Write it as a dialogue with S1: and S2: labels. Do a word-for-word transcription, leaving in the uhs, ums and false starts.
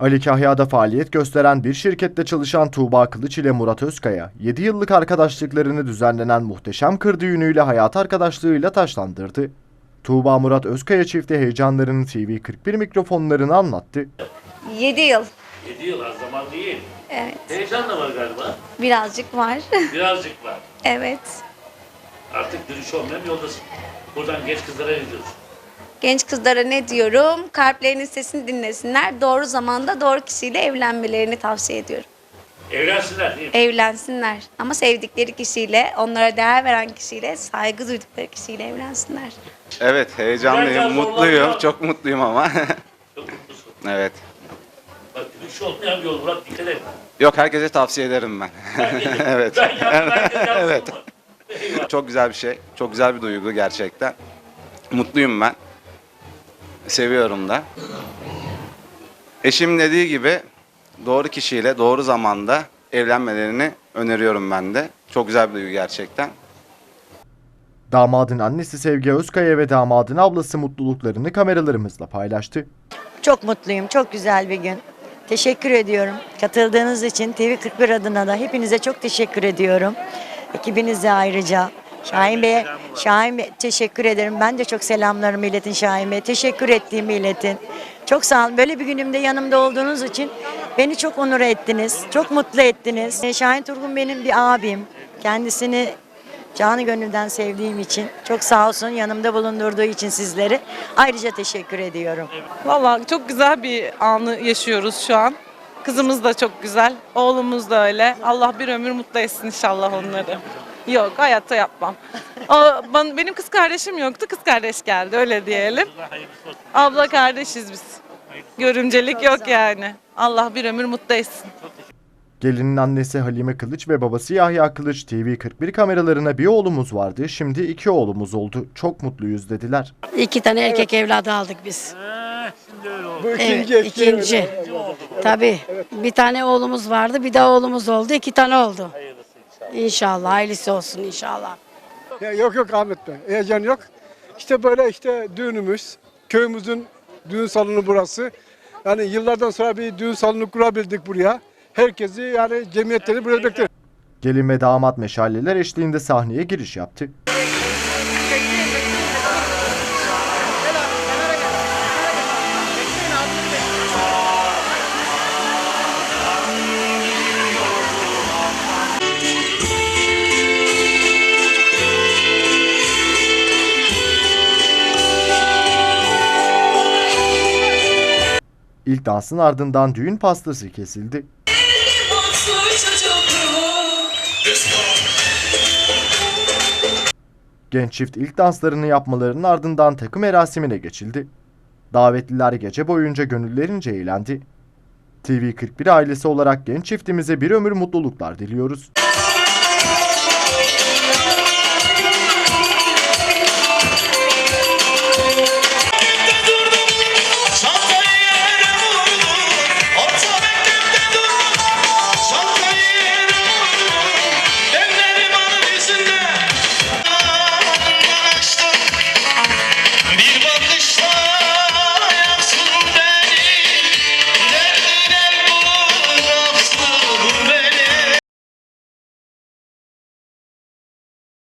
S1: Ali Kahya'da faaliyet gösteren bir şirkette çalışan Tuğba Kılıç ile Murat Özkaya, yedi yıllık arkadaşlıklarını düzenlenen muhteşem kır düğünüyle hayat arkadaşlığıyla taşlandırdı. Tuğba Murat Özkaya çifti heyecanlarını T V kırk bir mikrofonlarına anlattı.
S2: yedi yıl.
S3: yedi yıl az zaman değil.
S2: Evet.
S3: Heyecan da var galiba.
S2: Birazcık var.
S3: Birazcık var.
S2: Evet.
S3: Artık dönüş olmayan yoldasın. Buradan genç kızlara ne diyorsun?
S2: Genç kızlara ne diyorum? Kalplerinin sesini dinlesinler. Doğru zamanda doğru kişiyle evlenmelerini tavsiye ediyorum.
S3: Evlensinler değil mi?
S2: Evlensinler. Ama sevdikleri kişiyle, onlara değer veren kişiyle, saygı duydukları kişiyle evlensinler.
S4: Evet, heyecanlıyım,
S3: Biraz
S4: mutluyum.
S3: zorlanıyor.
S4: Çok mutluyum ama.
S3: Çok mutlusun.
S4: Evet.
S3: Bak dönüş olmayan bir yol. Murat dikkat et.
S4: Yok, herkese tavsiye ederim ben. Evet.
S3: Ben yaptım, herkes yapsın
S4: Evet.
S3: mı? Eyvah.
S4: Çok güzel bir şey. Çok güzel bir duygu gerçekten. Mutluyum ben. Seviyorum da. Eşim dediği gibi doğru kişiyle doğru zamanda evlenmelerini öneriyorum ben de. Çok güzel bir duygu gerçekten.
S1: Damadın annesi Sevgi Özkaya ve damadın ablası mutluluklarını kameralarımızla paylaştı.
S5: Çok mutluyum. Çok güzel bir gün. Teşekkür ediyorum. Katıldığınız için T V kırk bir adına da hepinize çok teşekkür ediyorum. Ekibinize ayrıca. Şahin Bey'e Şahin Bey, teşekkür ederim. Ben de çok selamlarımı iletin Şahin Bey'e. Teşekkür ettiğimi iletin. Çok sağ olun. Böyle bir günümde yanımda olduğunuz için beni çok onur ettiniz. Çok mutlu ettiniz. E, Şahin Turgun benim bir abim. Kendisini canı gönülden sevdiğim için çok sağ olsun, yanımda bulundurduğu için sizleri ayrıca teşekkür ediyorum.
S6: Vallahi çok güzel bir anı yaşıyoruz şu an. Kızımız da çok güzel, oğlumuz da öyle. Allah bir ömür mutlu etsin inşallah onları. Yok, hayatta yapmam. O, ben, benim kız kardeşim yoktu, kız kardeş geldi, öyle diyelim. Abla kardeşiz biz. Görümcelik yok yani. Allah bir ömür mutlu etsin.
S1: Gelinin annesi Halime Kılıç ve babası Yahya Kılıç T V kırk bir kameralarına bir oğlumuz vardı, şimdi iki oğlumuz oldu. Çok mutluyuz dediler.
S7: İki tane erkek evladı aldık biz.
S8: Bu
S7: Evet,
S8: ikinci eski
S7: ikinci.
S8: evlilik.
S7: Tabii. Bir tane oğlumuz vardı, bir de oğlumuz oldu. İki tane oldu. İnşallah, hayırlısı olsun inşallah.
S8: Ya yok yok Ahmet Bey, heyecan yok. İşte böyle işte düğünümüz, köyümüzün düğün salonu burası. Yani yıllardan sonra bir düğün salonu kurabildik buraya. Herkesi yani cemiyetleri buraya bekliyor.
S1: Gelin ve damat meşaleler eşliğinde sahneye giriş yaptı. İlk dansın ardından düğün pastası kesildi. Genç çift ilk danslarını yapmalarının ardından takım merasimine geçildi. Davetliler gece boyunca gönüllerince eğlendi. T V kırk bir ailesi olarak genç çiftimize bir ömür mutluluklar diliyoruz.